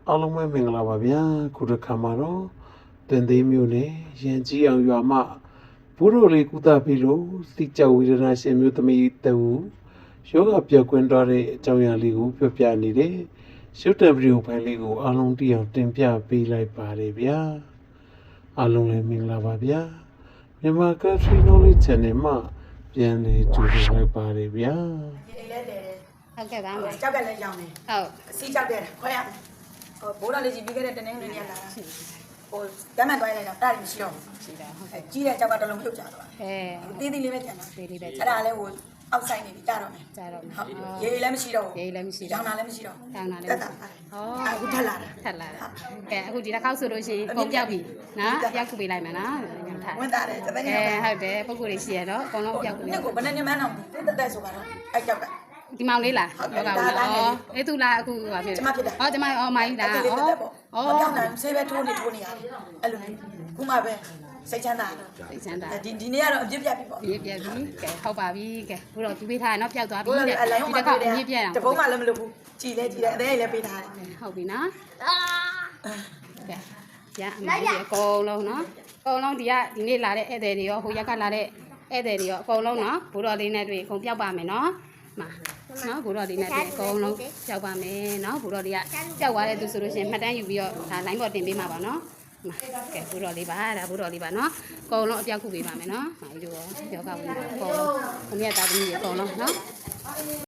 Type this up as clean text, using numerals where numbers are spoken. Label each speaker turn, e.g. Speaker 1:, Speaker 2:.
Speaker 1: အားလုံးပဲမင်္ဂလာပါဗျာခုတစ်ခါမှာတော့တင်သေးမျိုးနဲ့ရန်ကြီးအောင်ရွာမှဘိုးတော်လေးကုသပြီးလို့စိတ်ကြောက်ဝေဒနာရှင်မျိုးသမီးတူယောဂပြောက်ကွင်းသွားတဲ့အကြောင်းအရာလေးကိုပြောပြနေတယ်ရုပ်တံဗီဒီယိုဖိုင်လေးကိုအားလုံးသိအောင်တင်ပြပေးလိုက်ပါတယ်ဗျာအားလုံးလည်းမင်္ဂလာပါဗျာမြန်မာ Country Knowledge Channel မှာပြန်လည်ကြိုဆိုလိုက်ပါတယ်ဗျာ
Speaker 2: ဟုတ်ကဲ့ပါမယ်
Speaker 3: ကြောက်ကလည်းရောင်းတယ်
Speaker 2: ဟုတ်
Speaker 3: အစီကြောက်တယ်ခွဲရမယ်ဟိုဘိုးတော်လေးကြီးပြီးခဲ့တဲ့တနေ့နေ့လာတာဟိုတမ်းမှန်သွားလိုက်တာတားမရှိတော့
Speaker 2: ရှိတာဟုတ်ကဲ့
Speaker 3: ကြီးတဲ့ကြောက်ကတလုံးပြုတ်ကြတော့
Speaker 2: အဲ
Speaker 3: သေးသေးလေးပဲကျန်တာ
Speaker 2: သေးလေးပဲ
Speaker 3: အဲ့ဒါလည်းဟိုအောက်ဆိုင်နေပြီကြတော့မယ်
Speaker 2: ကြားတော့မယ်
Speaker 3: ဟုတ်ရေးလည်းမရှိတော့
Speaker 2: ရေးလည်းမရှိ
Speaker 3: ရောင်းတာလည်းမရှိတော့
Speaker 2: တောင်းတာလည်း
Speaker 3: တက်တာ
Speaker 2: ဩ
Speaker 3: အခုထက်လာတာ
Speaker 2: ထက်လာတာကဲအခုဒီတစ်ခေါက်ဆိုလို့ရှိရင်ပုံပြောက်ပြီနော်ပြောက်ခုပေးလိုက်မယ်နော်ညထ
Speaker 3: ဝင်တာတယ်တပည့်
Speaker 2: အဲ
Speaker 3: နေ
Speaker 2: ဟုတ်တယ်ပုံကိုယ်လေးရှိရတော့အကုန်လုံးပြောက်ခုပေး
Speaker 3: နှစ်ကိုဘယ်နဲ့မှန်းအောင်တက်တက်ဆိုတော့အဲ့ကြောက်က
Speaker 2: ဒီမောင်လေးလားယောဂဝင်လားဩအေးသူလားအခုဟာဖြစ်
Speaker 3: ကျမဖြစ်တယ်
Speaker 2: ဩကျမဩမိုင်းလား
Speaker 3: အဲ့
Speaker 2: ဩ
Speaker 3: ဒီလေးတက်ပေါ့
Speaker 2: ဩ
Speaker 3: မပြောင်းနိုင်ဆေးပဲထိုးနေရတယ်အဲ့လိုခုမှပဲစိတ်ချမ်းသာ
Speaker 2: သိချမ်းတာ
Speaker 3: ဒီနေ့ကတော့အပြစ်ပြတ်ပြီပေါ့
Speaker 2: ပြည့်ပြည့်ပြီကဲဟုတ်ပါပြီကဲဘုတော့သူပေးထားရနော်ပျောက်သွားပြီ
Speaker 3: ဘိုးတော်
Speaker 2: တဲ့
Speaker 3: အလိုင်း
Speaker 2: ဒီ
Speaker 3: မှာ
Speaker 2: တစ်ခေါက်အမြင့်ပြည့်အောင်
Speaker 3: တပုံးမှလည်းမလုပ်ဘူးကြည်လဲကြည်တယ်အသေးလည်းပေးထားတယ်
Speaker 2: ဟုတ်ပြီနော်ကဲရအမကြီးအကုန်လုံးနော်အကုန်လုံးဒီနေ့လာတဲ့ဧည့်သည်တွေရောဟိုရက်ကလာတဲ့ဧည့်သည်တွေရောအကုန်လုံးနော်ဘိုးတော်လေးနဲ့တွေ့အကုန်ပျောက်ပါမယ်နော်မှာနော်ဘိုးတော်လေးနဲ့တွေ့အကုန်လုံးပျောက်ပါမယ်နော်ဘိုးတော်လေးကပျောက်သွားတဲ့သူဆိုလို့ရှိရင်မှတ်တမ်းယူပြီးတော့ဒါ line ပေါ်တင်ပေးမှာပါနော်မှာကဲဘိုးတော်လေးပါဒါဘိုးတော်လေးပါနော်အကုန်လုံးအပြောက်ခုပေးပါမယ်နော်မာကြီးတို့ရောယောဂဝင်အကုန်လုံးအမြတ်သားသမီးတွေအကုန်လုံးနော်